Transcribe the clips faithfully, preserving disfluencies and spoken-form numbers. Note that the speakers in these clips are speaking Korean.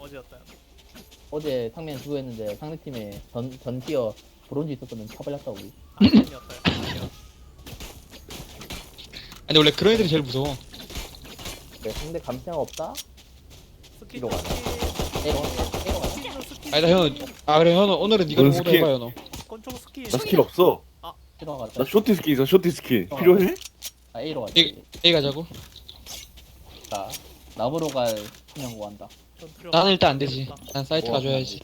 어제였다. 어제 상면 그거 했는데 상대팀에 전, 전 티어 브론즈 있었거든. 쳐발렸다 우리. 아니었다. 아니 원래 그런 애들이 제일 무서워. 네, 상대 감시자가 없다? 스키 이거 가자. 스키 에러 에러 가자. 스키로 스키. 아니다 현우. 아 그래 현우 오늘은 네가 뭔 좀 오더 스킬? 해봐 현우. 권총 스키. 나 스킬 없어. 에러 가자. 나 쇼티 스킬 있어. 쇼티 스킬 필요해? 아 A로 가자. A A 가자고. 자 나무로 갈 그냥 구한다. 나는 일단 안 되지. 난 사이트 어, 가줘야지.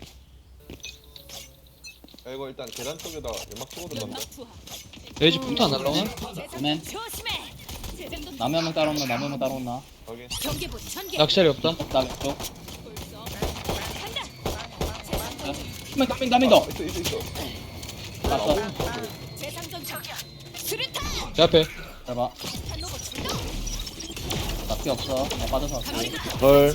야, 이거 일단 계단 쪽에다 연막 치고 들어간다. 레이지 풍토 안 날라오나? 그러면 나무 한명 따라온나 나무 한명 따라온나. 확인. 낚시알이 없다. 나 왼쪽. 한명 더, 한명 더. 있어 있어 있어. 맞어. 제 앞에. 잘 봐. 나피 없어. 나 빠져서 왔고. 헐.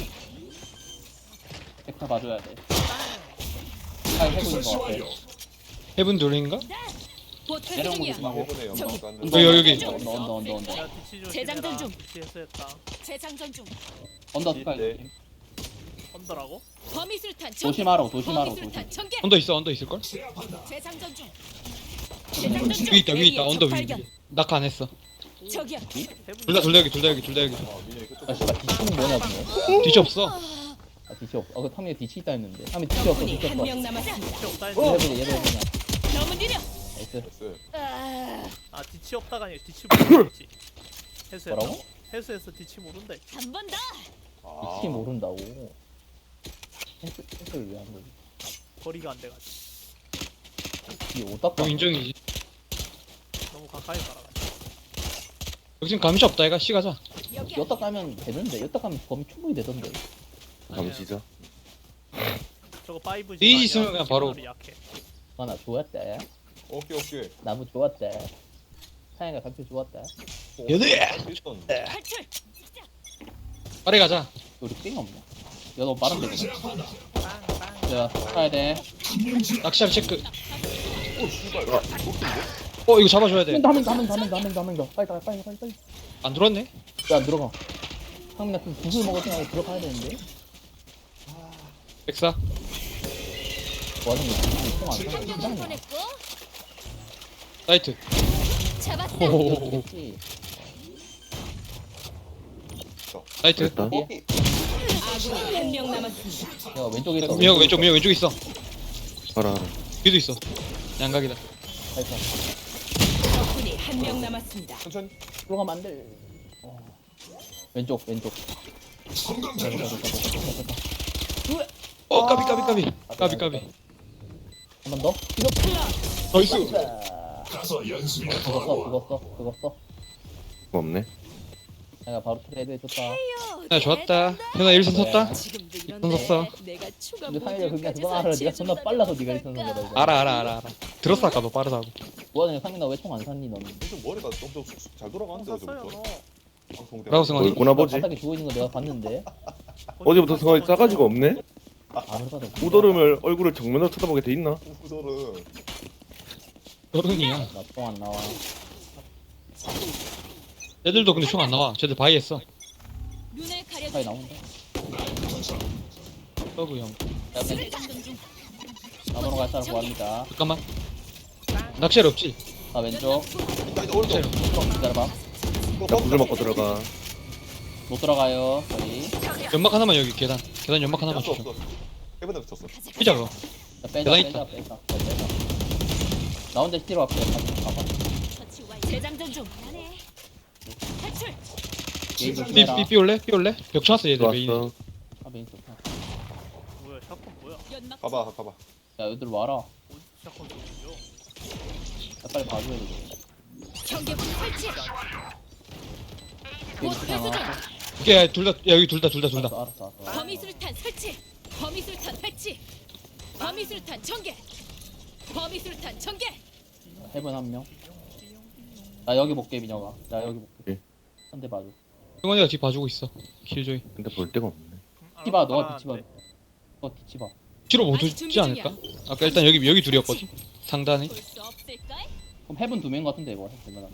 벡터 봐줘야 돼. 잘 해보인 거 같아. 해븐 둘인가? 내려온 거 조심하고. 해보네 연막 간 언더, 여기, 여기. 언더, 언더, 언더, 언더. 야 뒤치 조심해라. 재장전 중. 뒤치에서 했다. 재장전 중. 언더 스카이 네. 조심. 언더라고? 범위술탄 전개. 조심하라, 조심하라, 범위술탄 전개. 언더 있어 언더 있을걸? 재장전 중. 재장전 중. 위에 있다 위에 있다 A의 언더 적 위에. 발견. 낙하 안 했어. 저기야. 해븐. 둘 다 둘 다 여기 둘 다 여기 둘 다 여기. 어 민현이 그쪽. 아, 씨발, 디치는 뭐냐, 근데? 뒤치 없어. 아, 디치 없어. 어, 그 탐에 디치 있다 했는데. 탐에 디치 없어, 적군이 디치 한 없어. 명 남았습니다. 뒤치 없다 얘를 했는데. 해보자, 얘를 해보자. 너무 느려. 나이스. 나이스. 아, 아 뒤치 없다가 아니라 뒤치 모르겠지. 해수했다. 뭐라고? 해수해서 뒤치 모른대. 한 번 더. 아. 디치 모른다고. 펜스, 펜스를 왜 한 거지? 거리가 안 돼가지고. 이 오딱가. 형 인정이지. 너무 가까이 가라가지고. 여기 지금 감시 없다 얘가. 씨 가자. 여기야. 여딱 가면 되는데, 여딱 가면 범위 충분히 되던데. 다음 시작. 저거 파이브 이 있으면 그냥 바로. 약해. 아, 나 좋았대. 오케이 오케이. 나무 좋았대. 사양이가 감표 좋았대. 얘네! 있었는데. 탈출. 빠르게 가자. 우리 삥 없냐? 야, 너 빠른데, 지금. 빵빵. 야, 타야 돼. 낚시알 체크. 오 씨발. 아, 높은데? 어 이거 잡아줘야 돼. 한명 더, 한명 더, 한명 더, 한명 더, 한명 더. 빨리, 빨리, 빨리, 빨리, 빨리. 안 들어왔네? 야, 들어가. 상민아, 좀 구슬 먹을 생각에 들어가야 되는데. 백사. 뭐 하는 거야? 한 총안 명을 사. 보냈고 사이트. 잡았다. 호호호호. 사이트. 됐다. 아군이 한 명 남았습니다. 야, 왼쪽에 있어. 미역 왼쪽 미역 왼쪽 있어. 알아 알아. 뒤도 있어. 양각이다. 살짝. 적군이 한 명 남았습니다. 천천히. 들어가면 안 돼. 어. 왼쪽, 왼쪽. 어 까비 까비 까비. 까비 까비. 한 번 더. 이거 나이스. 죽었어, 죽었어, 죽었어. 뭐 없네. 내가 바로 트레이드 해줬다. 야 좋았다. 현아 일선 섰다. 지금도 손 이런데 섰어. 내가 추가 근데 상일이 모듈 그냥 가져서 그거 알아. 네가 존나 재준다면 빨라서 네가 일선 어떨까? 선거다. 이거. 알아 알아 알아 알아. 들었어 아까 너 빠르다고. 뭐하냐, 상민아 왜 총 안 샀니 너는? 요즘 머리가 좀더 쑥쑥 잘 돌아가는데 샀어요 어제부터. 너. 방송 때. 라고 생각해. 얼구나 보지. 바닥에 죽어 있는 거 내가 봤는데. 어제부터 성화이 싸가지가 없네. 아, 그러다. 우더름을 얼굴을 정면으로 쳐다보게 돼 있나? 후설은 어른이야. 나총 안 나와. 애들도 근데 총 안 나와. 쟤들 바이 했어. 눈을 빨리 가려줘. 나온다. 서브 형. 야, 맨 재장전 중. 나무로 갈 사람 구합니다. 잠깐만. 낚시알 없지? 나 왼쪽. 나 이제 오른쪽. 기다려봐. 나 구슬 먹고 들어가. 못 들어가요. 저희. 연막 하나만 여기 계단. 계단 연막 하나만 없어 주죠. 없어. 해븐에 붙였어. 피자 그거. 자, 빼자, 계단 빼자, 있다. 빼자, 빼자, 빼자. 나 혼자 스티로 앞에 가봐. 처치 완료. 재장전 중. 탈출. 게임 삐, 조심해라. 삐, 삐 올래? 삐 올래? 벽 쳐놨어 얘들 메인. 좋았어. 아, 메인 좋다. 뭐야 샷건 뭐야? 연막. 가봐 가봐. 야, 얘들 와라. 어디 샷건 소리죠? 야, 빨리 봐줘야 돼. 경계부 설치. 게임 곧 좋다. 회수 중. 이게 둘 다, 야 여기 둘 다 둘 다 둘 다. 알았어, 알았어, 알았어. 범위술탄 설치. 범위술탄 설치. 범위술탄 전개. 범위술탄 전개. 해본 한 명. 나 여기 볼게, 민혁아. 나 여기 볼게. 예. 한 대 봐줘. 승원이가 뒤 봐주고 있어. 킬조이. 근데 볼 데가 없네. 뒤봐, 너가 뒤치 봐. 너 뒤치 봐. 뒤로 못 아직 오지 준비 않을까? 아까 일단 여기 여기 둘이었거든. 상단에. 볼수 없을까? 그럼 해본 두 명 같은데, 이거. 해본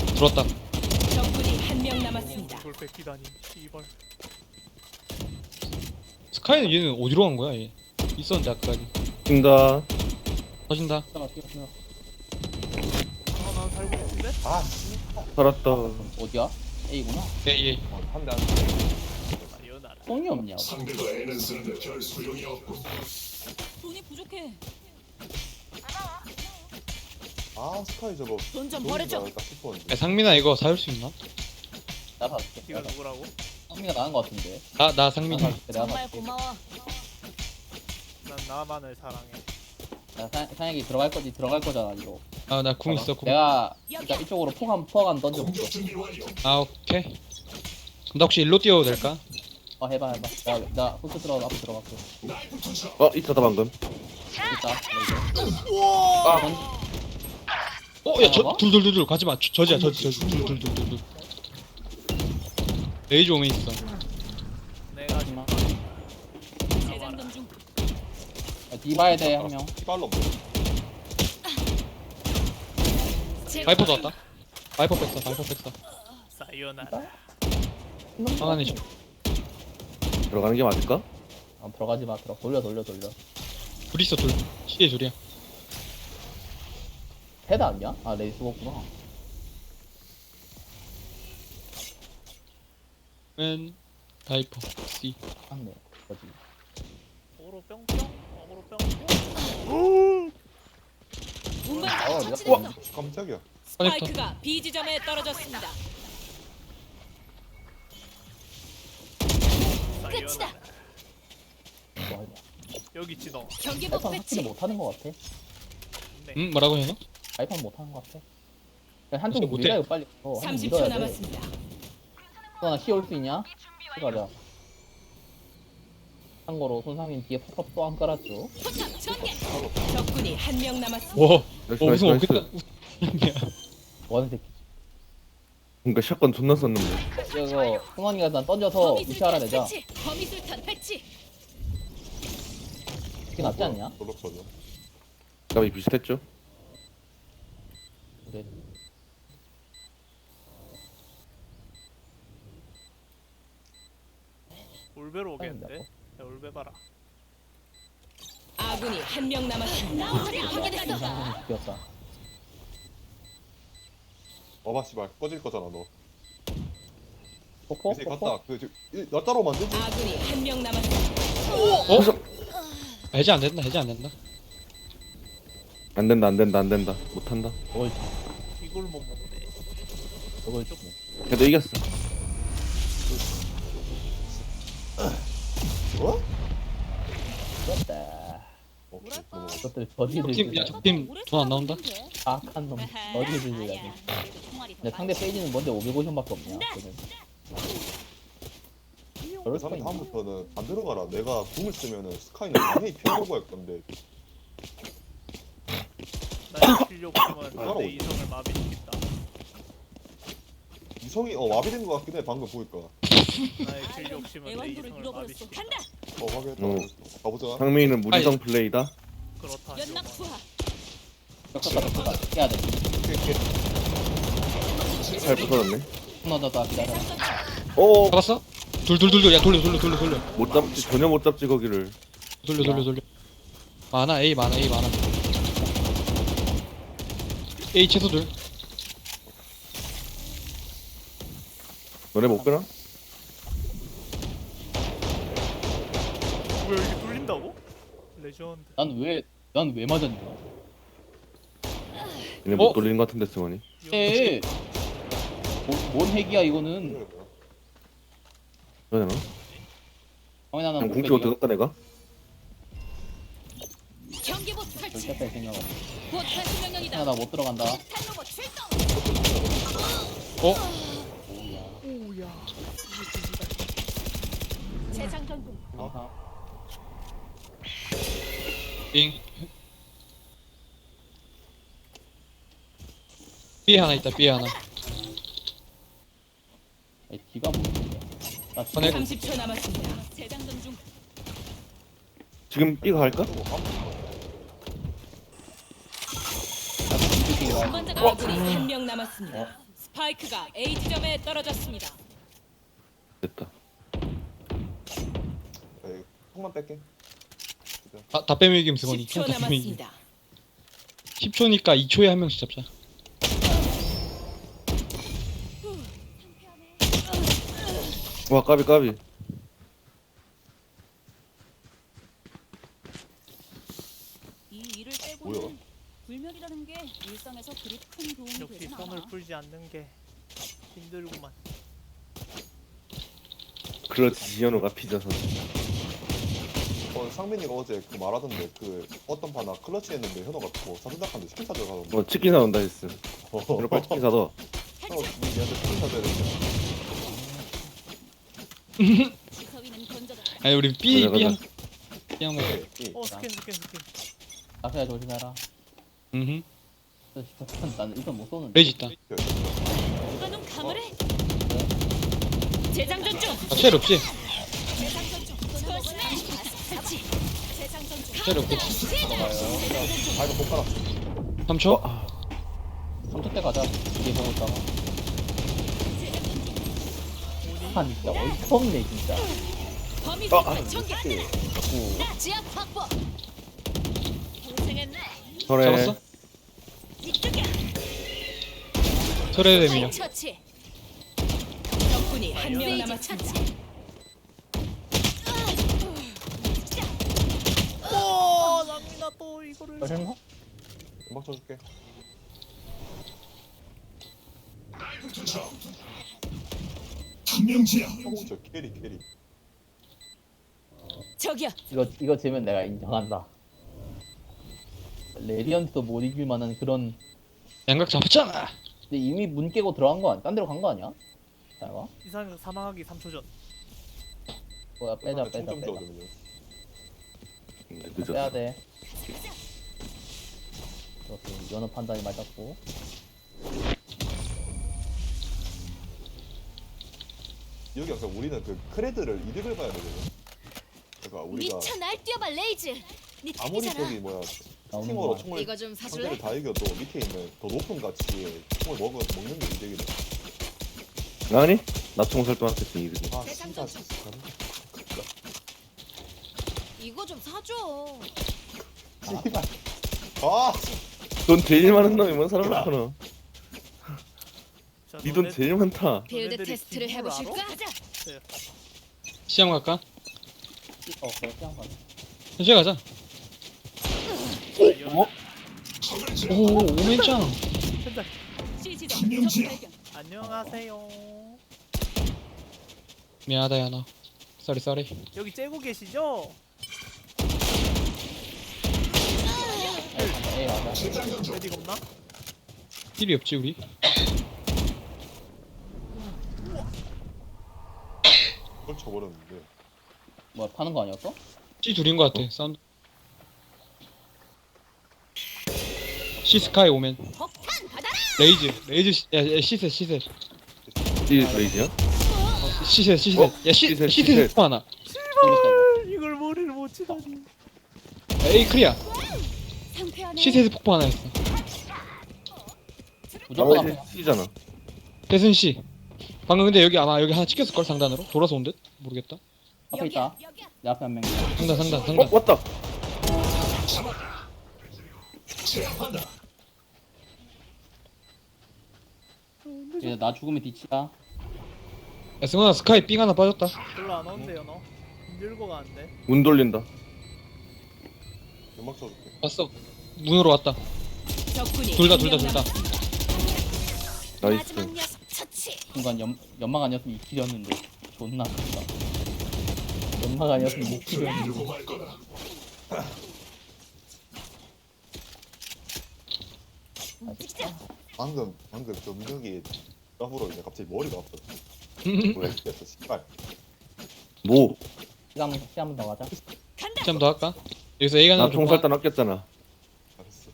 들었다. 적군이 한 명 남았습니다. 이걸 뺏기다니. 이걸. 스카이는 얘는 어디로 간 거야 얘? 있었는데 아까까지. 뛴다. 터진다. 뛰어가 뛰어 뛰어. 아난 살고 있는데? 아 씨. 살았다. 어디야? A구나. 예 예. 어, 한대 한. 사요나라. 똥이 없냐? 돈이 부족해. 아 스카이 저거. 돈 좀 좋은 버려줘. 줄 알았다 싶었는데. 야, 상민아 이거 사줄 수 있나? 나 봐줄게. 이거 누구라고? 성미가 나은 거 같은데. 나 나 나 상민이. 봐줄게. 내가 정말 봐줄게. 고마워. 난 나만을 사랑해. 나 사- 사양이 들어갈 거지 들어갈 거잖아 이거. 아 나 궁 있어 궁. 내가 일단 이쪽으로 포감 포감 던져볼게. 아 오케이. 그럼 나 혹시 일로 뛰어도 될까? 어 해봐 해봐. 나나 후스 들어가 앞에 들어갔어. 어 있었다 방금. 됐다. 아. 던 어, 야, 저, 뭐라고? 둘, 둘, 둘, 둘, 가지 마. 저, 저지야, 저지, 저지, 둘, 둘, 둘, 둘, 둘. 레이저 오면 있어. 내가 지금 마. 재장전 중. 디바야 돼한 명. 피발로 없네. 바이퍼도 왔다. 바이퍼 뺐어, 바이퍼 뺐어. 사요나라. 방 안에 좀. 들어가는 게 맞을까? 어, 들어가지 마. 들어 돌려 돌려 돌려. 둘 있어, 둘. 시에 둘이야. 헤드 아니야? 아 레이스 없구나. 맨, 바이퍼, C. 맞네. 거지. 어그로 뿅뿅. 어그로 뿅뿅. 어, 운반자가 내가- 처치됐어. 깜짝이야. 스파이크가 B 지점에 떨어졌습니다. 끝이다. 사요나라. 뭐 하냐? 여기 있지 너. 경계복 아이폰 배치. 확실히 못하는 거 같아. 네. 응, 뭐라고 해너? 아이폰 못하는 거 같아. 그냥 한쪽 진짜 못해. 밀어요 빨리. 어, 한쪽 삼십 초 밀어야 돼. 남았습니다. 나 시 올 수 있냐? 가자. 참고로 손상민 뒤에 팝업 또 안 깔았죠. 포탑 전개. 적군이 한 명 남았습니다. 와, 나이스 어, 나이스 무슨 나이스. 어깨다. 야, 원 새끼. 그러니까 샷건 존나 썼는데. 이거 승원이가 난 던져서 무시하라 범위술탄 내자. 배치. 범위술탄 배치. 그게 낫지 않냐? 졸록 써줘. 값이 비슷했죠? 그래. 울베로 오겠는데? 야 울베 봐라. 아군이 한 명 남았습니다. 확인했어. 승상민 죽였다. 어봐 씨발 꺼질 거잖아 너. 포포? 이제 포포? 갔다. 그 지금 이- 나 따로 만들지. 아군이 한 명 남았습니다. 어? 해제 안 된다, 해제 안 된다. 안 된다 안 된다 안 된다. 못한다. 저걸 이걸 못 먹네. 저걸 주네. 그래도 이겼어. 어? 죽였다. 오케이 넘어가. 저것들 저지들 팀, 야, 적팀 돈 안 나온다? 악한 놈. 저지들 가지고. 근데 상대 페이지는 뭔데 오백오십밖에 없냐? 그는. 그럴 수가 그래서 있나? 다음부터는 안 들어가라. 내가 궁을 쓰면은 스카이는 당연히 피하려고 할 건데. 나의 실력 힘은 따라오지. 내 이성을 마비시킨다. 이성이 어 마비된 것 같긴 해. 방금 보니까. 나의 실력 힘은 내 애완도를 이성을 잃어버렸어. 마비시킨다. 간다. 어 확인했다. 어. 가보자. 상민이는 무지성 플레이다. 그렇다. 연막 투하. 격투다 격투다. 해야 돼. 잘 부서졌네. 끊어졌다 기다려. 어, 잡았어? 둘, 둘, 둘, 둘. 야, 돌려, 돌려, 돌려, 돌려. 못 잡지 전혀 못 잡지 거기를. 돌려, 돌려, 돌려. 많아, A 많아, A 많아. A 최소 둘. 너네 못 빼나? 왜 여기 뚫린다고? 레전드. 난 왜 난 왜 맞았냐? 얘네 못 어? 돌리는 것 같은데 승원이. 에. 뭐, 뭔 핵이야 이거는? 그러나 정현 하나 그냥 못 궁치고 빼기야. 들었다 내가. 경계복 설치. 절대 뺄 생각 없어. 곧 탈출 명령이다. 하나 못 들어간다. 폭탄 로봇 출동. 어? 재장전 중. 아하. 빙. B에 하나 있다, B에 하나. 이 뒤가 뭐지? 나 어, 지금 네. 삼십 초 남았습니다. 재장전 중. 지금 B가 할까? 운반자가 아군이 한 명 남았습니다. 스파이크가 A 지점에 떨어졌습니다. 됐다. 에이, 폭만 뺄게. 다, 다 빼면 이기면 승원이. 십 초 다 빼면 이기면. 남았습니다. 십 초니까 이 초에 한 명씩 잡자. 와 까비 까비. 이 일을 뭐야? 빼고는 불멸이라는 게 일상에서 그리 큰 도움이 역시 되진 선을 않아. 풀지 않는 게 힘들구만. 그렇지 지현우가 피져서. 어, 상민이가 어제 그 말하던데 그 어떤 파나 클러치 했는데 현호가 뭐 사준다한테 치킨 사줘 가던데. 뭐 치킨 사온다 했어. 어, 현우 빨리 치킨 사둬. 현호 니한테 치킨 사줘야 된다. 지서위는 건져다. 아니 우리 B 가자, B 한 가자. B 한 번. 네, 이. 어 스캔 스캔 스캔. 라페야 조심해라. 음. 난 일단 못 쏘는데. 레이지 있다. 누가 눈 감으래? 재장전 중. 아 쉘 없지? 재장전 중. 조심해. 같이. 재장전 중. 쉘 없고. 아 이거 못 깔아. 삼 초. 삼 초 때 가자. 이게 보고 있다가. 한 진짜 어이가 없네 진짜. 범위 아, 생활 전개. 나 지압 확보. 고생했네. 설에 잡았어? 이쪽이야. 설에 대민요. 처치. 적군이 한 명 남았습니다. 오 남이나 또 이거를. 설마? 음악 쳐줄게. 어, 저 캐리 캐리. 저기요. 이거 이거 지면 내가 인정한다. 레디언트도 못 이길 만한 그런. 양각 잡았잖아. 근데 이미 문 깨고 들어간 거 아니야? 딴 데로 간 거 아니야? 잘 봐. 이상 사망하기 삼 초 전. 뭐야 빼자 빼자 총좀 빼자. 줘 그러면. 늦었어. 빼야 돼. 그렇지. 연어 판단이 맞았고. 여기 항상 우리는 그 크레드를 이득을 봐야 되거든. 그러니까 우리가 미쳐 날뛰어봐 레이즈. 네 아무리 책이잖아. 저기 뭐야 나오는 스팅어로 거. 총을 이거 좀 사줄래? 상대를 다 이겨도 밑에 있는 더 높은 가치의 총을 먹어 먹는 게 이득이다. 아니? 나 총 설동했겠어 이득이. 아 진짜 진짜. 이거 좀 사줘. 아 돈 제일 많은 놈이 뭔 사람 많구나. 자, 니 돈 너네- 제일 많다. 빌드 너네들이 테스트를 기분을 해보실까? 알아? 가자. 시험 갈까? 어 그래 그냥 가. 현재 가자. 어? 오 오맨짱. 현장. 시지점 적 발견. 안녕하세요. 미안하다 야나. 쏘리 쏘리. 여기 째고 계시죠? 에이 가자. 레디 겁나? 힐이 없지 우리. 그걸 쳐버렸는데. 뭐야 파는 거 아니었어? C 둘인 것 같아. 사운드. C 스카이 오맨. 폭탄 받아라. 레이즈 레이즈 시- 야, 야 시셋 시셋 이 레이지야? 시셋 시셋. 어? 야 시, 시셋, 시셋 시셋. 스포 하나. 이걸 머리를 못 치다니. 에이 크리아. 상쾌하네. 시셋 폭포 하나였어. 무조건 나머지 앞에. C잖아. 대순 씨. 방금 근데 여기 아마 여기 하나 찍혔을 걸 상단으로 돌아서 온 듯 모르겠다. 앞에 있다. 여기야. 내 앞에 한 명. 상단 상단 어 상단. 왔다. 이제 나 죽으면 뒤치야. 야 승원아 스카이 삥 하나 빠졌다. 별로 안 오는데요 너. 밀고 가는데. 문 돌린다. 음악 쳐줄게. 왔어. 문으로 왔다. 적군이 둘 다 한 둘 다 명 둘 다. 남았습니다. 나이스. 마지막 녀석 처치. 순간 연 연막 아니었으면 이킬이었는데 존나 아깝다. 연막 아니었으면 이킬이었는데. 움직이자. 방금 방금 저 민혁이 까불어 이제 갑자기 머리가 아파. 뭐야 이랬어 씨발. 뭐? 시간 시간 한번 더 가자. 간다. 좀 더 할까? 여기서 A 가는 나 총 살단 아꼈잖아. 알았어.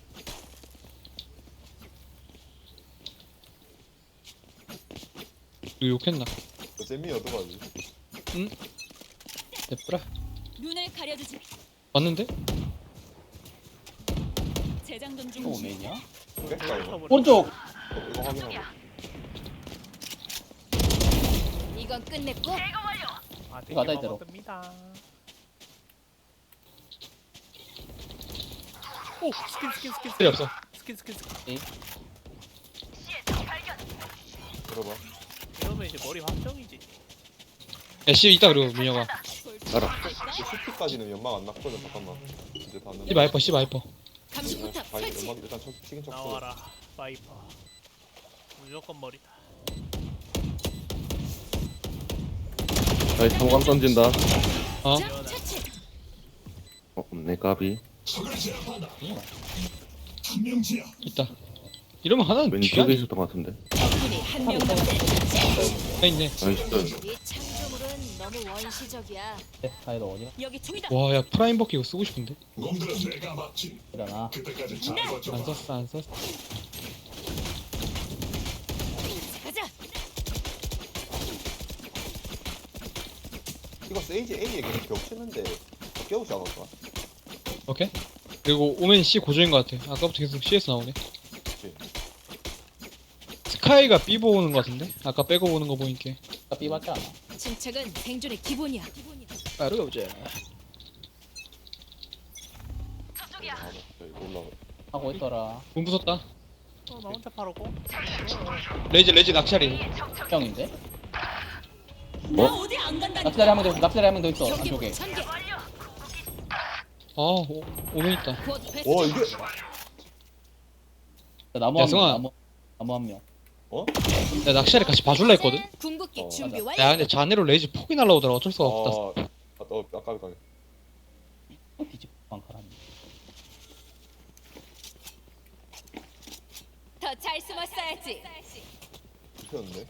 너 욕했나? 저 재미 얻어가지. 됐더라. 눈을 가려주지. 왔는데? 재장전 중. 또 오맨이야? 깼다 이거. 오른쪽. 어, 이거 확인하고. 이건 끝냈고. 아 이거 가자, 되게 이대로. 먹었습니다. 오 스킨 스킨 스킨 필요 없어. 스킨 스킨 스킨. 들어봐. 이러면 이제 머리 확정이지. 야, 씨 있다 그리고 민혁아. 알아. 슈트까지는 연막 안 났거든. 잠깐만. 이제 다 씨 넣는. 마이퍼, 씨 마이퍼. 감시포탑 바이 설치. 연막 일단 쳐, 치긴 쳤고. 나와라 파이퍼. 무조건 머리다. 아이 성광 던진다. 어? 자, 차치. 어 없네 까비. 있다. 이러면 하나는 왼쪽에 뒤에 있었던 것 같은데. 적군이 한 명 남았습니다. 있네. 나이스. 이 창조물은 너무 원시적이야. 네, 사이드 어디야? 여기 총이다. 와, 야 프라임 버키 이거 쓰고 싶은데. 일어나. 안 썼어, 안 썼어. 가자. 이거 세이지 A에 그냥 겹치는데 깨우지 않을까? 오케이. 그리고 오멘 C 고정인 것 같아. 아까부터 계속 C에서 나오네. 그치. 스카이가 B 보는 것 같은데? 아까 빼고 보는 거 보니까. 나 삐봤지 않아? 침착은 생존의 기본이야. 빠르가 보자. 아, 이거 올라가. 하고 있더라. 공 부쉈다. 어나 혼자 팔았고. 레이지, 레이지 낙찰이. 형인데? 나 어디 안 간다니까. 납치자리 한 명 더 있어. 납치자리 한 명 더 있어. 경기 안쪽에. 전개. 아, 오, 오멘 있다. 곧 패스. 와 이게 나무 야, 한 명. 승환아. 나무, 나무 한 명. 어? 내가 낙찰이 같이 봐줄라 했거든? 궁극기 어, 준비 맞아. 완료. 야, 근데 자네로 레이지 폭이 날라오더라. 어쩔 수가 없다. 아, 아, 어, 아까 아까 또 뒤집어 방카라니. 더 잘 숨었어야지. 폈는데.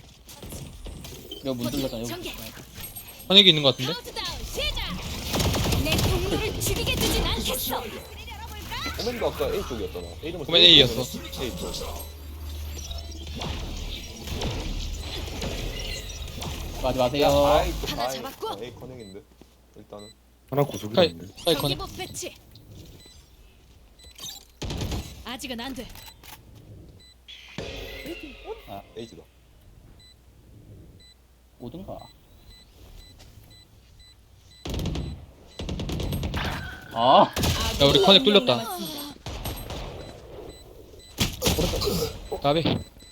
여기 문 뚫렸잖아. 여기. 전개. 한익이 있는 것 같은데? 카운트다운 시작. 내 동료를 죽이게 두진 않겠어. 오맨도 아까 A 쪽이었잖아. A는 오맨 A였어. A 쪽. 가지 야, 마세요. 아이 또 하나 아이. 잡았고. 아, A 커넥인데. 일단은 하나 구석이 스카이, 있는데. 스카이 커넥. 경기복 배치. 아직은 안 돼. A지다. 오든가. 아, 야, 우리 커넥 한명 뚫렸다. 남았습니다. 가비.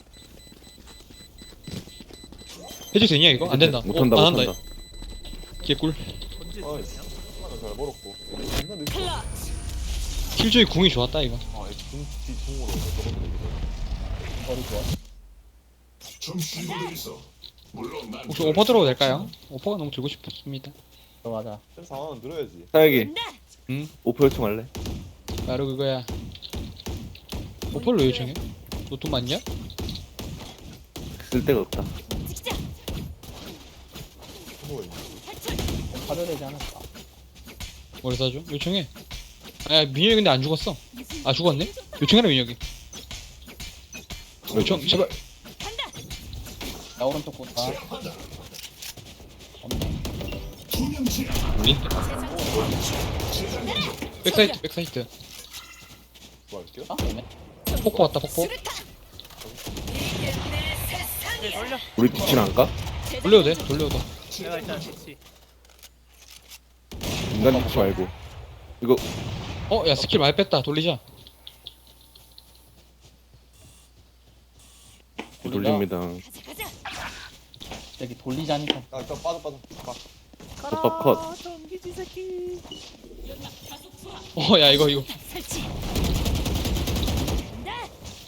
해줄 수 있냐, 이거? 안 된다. 못한다 어, 안 한다. 못한다. 개꿀. 언제 어이. 쓰냐? 하나 잘 벌었고. 존나 늦게. 클러치. 킬조이 궁이 좋았다, 이거. 아, 중 뒤중으로 저것도 되게. 머리 좋아. 혹시 오퍼 들어도 될까요? 오퍼가 너무 들고 싶습니다. 들어가자. 좀 상황은 늘어야지. 사야기. 응? 오퍼 요청할래? 바로 그거야. 오퍼를 왜 요청해? 너 돈 많냐? 쓸 데가 없다. 찍자. 뭐가 있지? 사려 되지 않을까? 뭘 사줘? 요청해. 아, 민혁이 근데 안 죽었어. 아, 죽었네? 요청해라, 민혁이. 요청, 제발. 나 오른쪽 보다. 없네. 우리? 백사이트, 백사이트. 뭐 할게요? 아, 없네. 폭포 왔다, 폭포. 네 돌려. 우리 뒤치는 안 까? 돌려도 돼, 돌려도 돼. 내가 일단 뒤치. 인간 뒤치 말고. 이거 어, 야, 스킬 많이 뺐다. 돌리자. 돌립니다. 가자 가자. 여기 돌리자니까. 아, 일단 빠져 빠져. 가. 컵밥 컷. 전기지 새끼. 어, 야, 이거, 이거. 설치. 간다.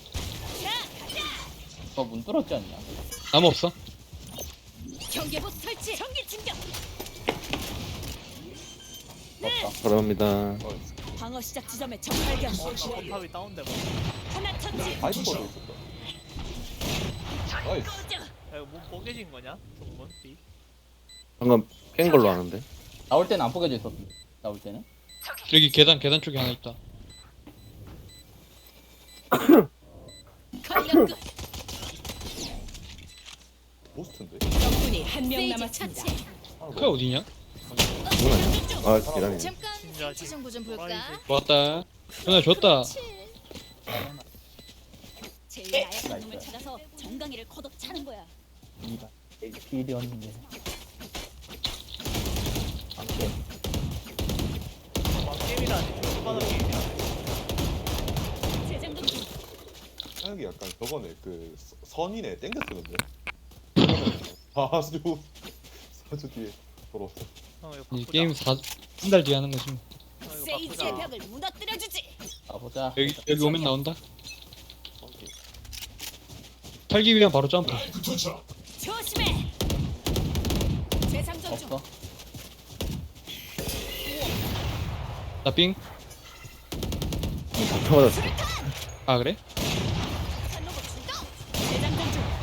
너 문 뚫었지 않냐? 나무 없어? 경계복 설치. 전기 충격. 없다. 사랑합니다. 어, 방어 시작 지점에 적 발견. 어 탑이 다운돼 뭐. 하나 터치. 바이퍼도 있었다. 나이스. 야 이거 뭐 뽀개진 거냐? 중문 B. 방금 깬 걸로 아는데. 나올 때는 안 포개져 있었어. 나올 때는. 여기 계단, 계단 쪽에 하나 있다. 걸려 끝. 보스트인데. 적군이 한 명 남았습니다. 하나 그게 더. 어디냐? 이건 아니야. 아 계단이네. 잠깐 진짜 신체 정보 좀 볼까? 호라이즌. 좋았다. 전화 줬다. 제일 나약한 놈을 찾아서 정강이를 거둬 차는 거야. 이가 에이치피디였는데. 안 돼. 막 게임이라니. 초반으로 게임이라. 사역이 약간 저거네 그 서- 선이네 땡겨 쓰는데 사주 사주 뒤에 돌아왔어. 형 이거 이 바꾸자. 게임 사, 한 달 뒤에 하는 거지 뭐. 형 이거 세이지의 바꾸자. 벽을 무너뜨려주지. 가보자. 여기 여기 오면 나온다. 오케이. 털기 위한 바로 점프. 조심해. 재상전 중. 없어. 나삥. 다 맞았어. 아 그래? 산로봇 출동. 재장전 중.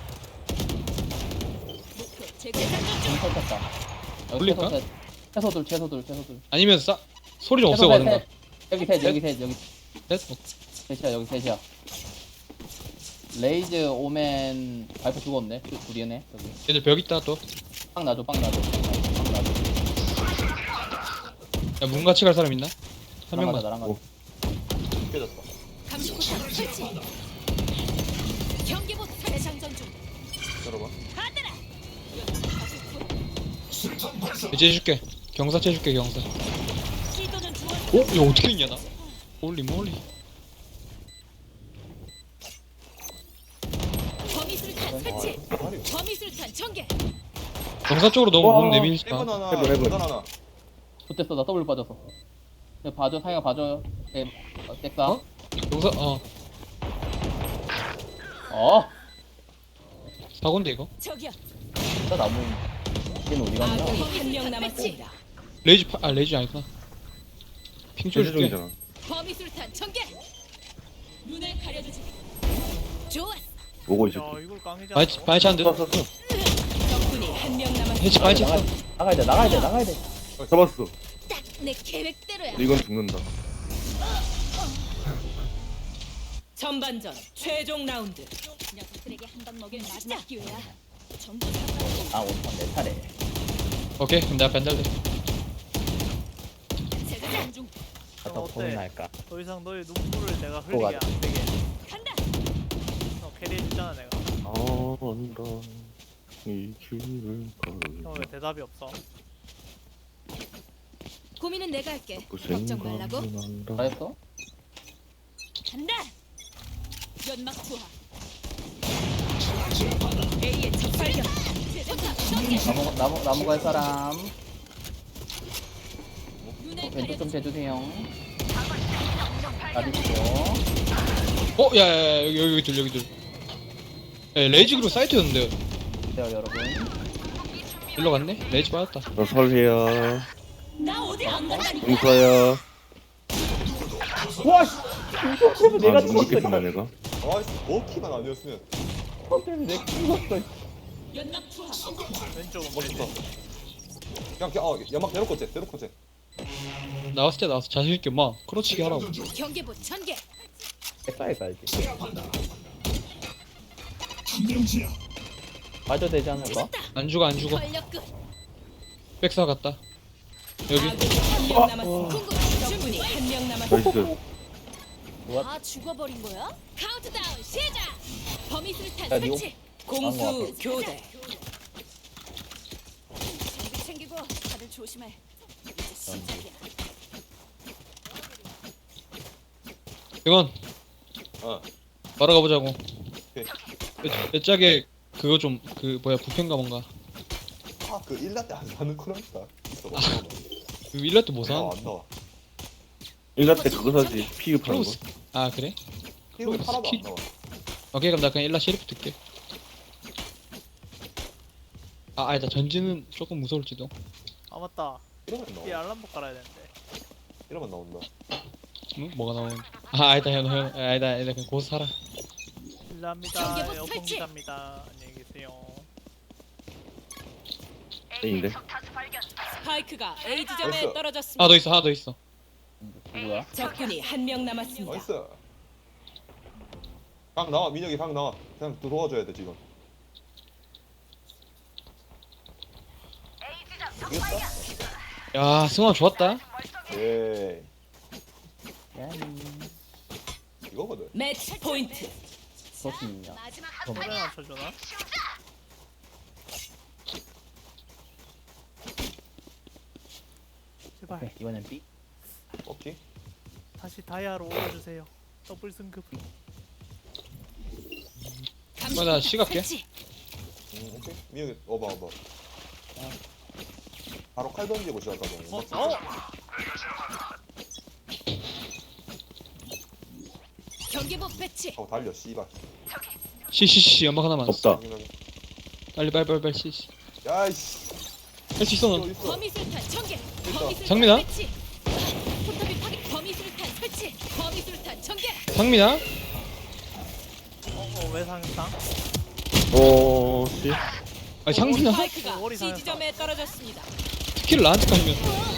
목표 제거. 재장전 중. 좀 설쳤다. 여기 올릴까? 채소 셋. 채소들, 채소들, 채소들. 아니면 싸 소리 좀 채소 없애고 셋, 가든가. 셋. 여기 셋, 여기 셋, 여기 됐어. 셋이야, 여기 셋이야. 레이즈 오멘 발표 죽었네. 두- 둘이네. 여기. 얘들 벽 있다 또. 빵 놔줘, 빵 놔줘, 빵 놔줘. 야 문 같이 갈 사람 있나? 한 나랑 명만. 가자, 나랑 가자. 깨졌다. 감시포탑 설치. 경계봇 재상전 중. 열어봐. 받아라. 이제 해줄게. 경사 해줄게 경사. 시도는 주원. 어? 이거 어떻게 했냐 나? 홀리 몰리. 범위술탄 설치. 아, 말이. 범위술탄 전개. 경사 쪽으로 너무 와. 몸 내밀지 해븐 마. 하나, 해븐, 해븐. 계단 하나. 좋댔어, 나 더블 빠졌어. 네, 봐줘, 상이가 봐줘요. 네, 어, 잭사. 어? 경사 어 어, 사고인데 이거. 저기요. 진짜 나무. 얘는 어디 갔냐? 아군이 한 명 남았습니다. 레이지 파, 아 레이지 아니구나. 핑 제주 쳐줄게. 중이잖아. 범위술탄 전개. 눈을 가려주지. 좋았어. 오고 있어. 야 이걸 깡이지 바이 않아? 바이 찬드. 쐈어. 적군이 한 명 남았습니다. 해치 바이 찬드. 나가야 돼, 나가야 돼, 나가야 돼. 잡았어. 딱 내 계획대로야. 이건 죽는다. 전반전 최종 라운드. 녀석들에게 한 방 먹일 마지막 기회야. 전부 다 아, 오판 내 차례. 오케이 그럼 내가 벤달돼. 재장전 중. 갖다 어때? 보면 할까? 더 이상 너의 눈물을 내가 흘리게 또 가자. 안 되게. 간다. 너 캐리해주잖아 내가. 언더 이 길을 걸어. 형 왜 대답이 없어? 고민은 내가 할게. 그 걱정 말라고. 다 했어? 간다. 연막 투하. A의 첫 발견. 포탑 전개. 나무, 나무, 나무 갈 사람. 눈을 왼쪽 좀 가려주지. 대주세요. 가리시고. 어 야야야 여기 여기 둘 여기 둘. 야 레이지 그리고 사이트였는데 기다려, 여러분. 일로 갔네. 레이지 빠졌다. 너 설해야. 나 어디 안 간다니까. 용서야. 와, 씨! 이거 때문에 내가 아, 눈 죽었어. 깊겠구나 내가. 아, 버키만 아니었으면 이거 때문에 내가 죽었어. 연막 투하. 왼쪽 멋있다. 왼쪽. 그냥 그냥 어 연막 대놓고 째, 대놓고 째. 나왔을 때 나와서 자신 있게 막 크로치기 하라고. 경계봇 전개. 백사에 가야지. 맞아 되지 않을까? 찾았다. 안 죽어 안 죽어. 권력 끝. 백사 갔다. 여기. 아군이 한 명 남았습니다. 적군이 한 명 남았습니다. 나이스. 아 죽어버린 거야? 카운트다운 시작. 범위술탄 야, 니오. 설치. 공수 교대. 장비 챙기고 다들 조심해. 이제 시작이야. 이건 어. 바로 가보자고. 오케이. 내, 내 짝에 그거 좀 그 뭐야 부편가 뭔가. 아그 일라떼 안 사는 코란다. 있어. 그 일라 때뭐 아, 사? 안 나와. 일라 때 그거 사지. 피그 파는 거. 크로스. 아 그래? 이거 하나도 안 스킬. 나와. 오케이 그럼 나 그냥 일라 시리프 듣게. 아 아니다 전지는 조금 무서울지도. 아 맞다. 이러면 이 나와. 알람복 깔아야 되는데. 이러면 나온다. 응? 뭐가 나오는? 아 아니다 형 형. 아니다 아니다 그냥 고수 살아. 실례합니다. 경계복 여봉 설치. 기자입니다. 안녕히 계세요. A인데. 스파이크가 A 지점에 나이스. 떨어졌습니다. 하나 더 있어 하나 더 있어. 누구야? 적군이 한 명 남았습니다. 나이스. 방 나와 민혁이 방 나와. 그냥 또 도와줘야 돼 지금. 야 승환 좋았다. 예. 야이. 이거거든. 매치 포인트. 소신이냐? 마지막 그럼. 소리 맞춰주나? 제발 오케이, 이번엔 B. 오케이. 다시 다이아로 올려주세요. 더블 승급. 어, 나 시각게. 설치. 음, 오케이. 미역이 어봐 어봐. 바로 칼 던지고 시작하자. 어? 맞지? 어? 경계복 배치. 하고 달려 씨발. 씨씨씨 연막 하나만. 없다. 빨리 빨리 빨리 빨리 씨씨. 야이씨. 할 수 있어 이거 넌. 있어. 범위술탄 전개. 됐다. 범위술탄 상민아? 배치. 포탑이 파괴. 범위술탄 설치. 범위술탄 전개. 상민아? 어, 어, 왜 상상? 오, 씨. 아니 상민아? 스파이크가 머리 C 상했다. 지점에 떨어졌습니다. 스킬을 나한테 까시면.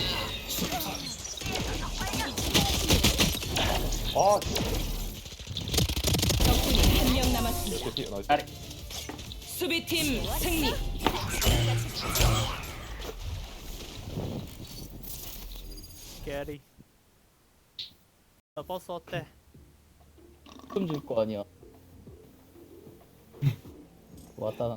아, 적군이 한 명 남았습니다. 씨. 나이스. 아래. 수비팀 승리. 게리. 나 버스 어때? 좀 줄 거 아니야. 왔다.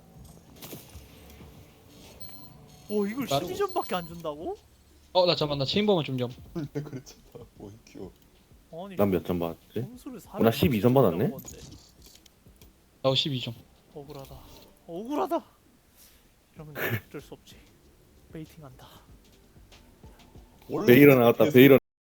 오 이걸 나도- 십이 점밖에 안 준다고? 어나 잠깐 나 체인버만 좀 좀. 원래 그랬잖아. 뭐 큐. 아니 난 몇 점 받았지? 점수를 어, 나 십이 점 받았네? 나 십이 점. 억울하다. 억울하다. 이러면 어쩔 수 없지. 베이팅한다. 원래 베일어 나왔다, 베일어.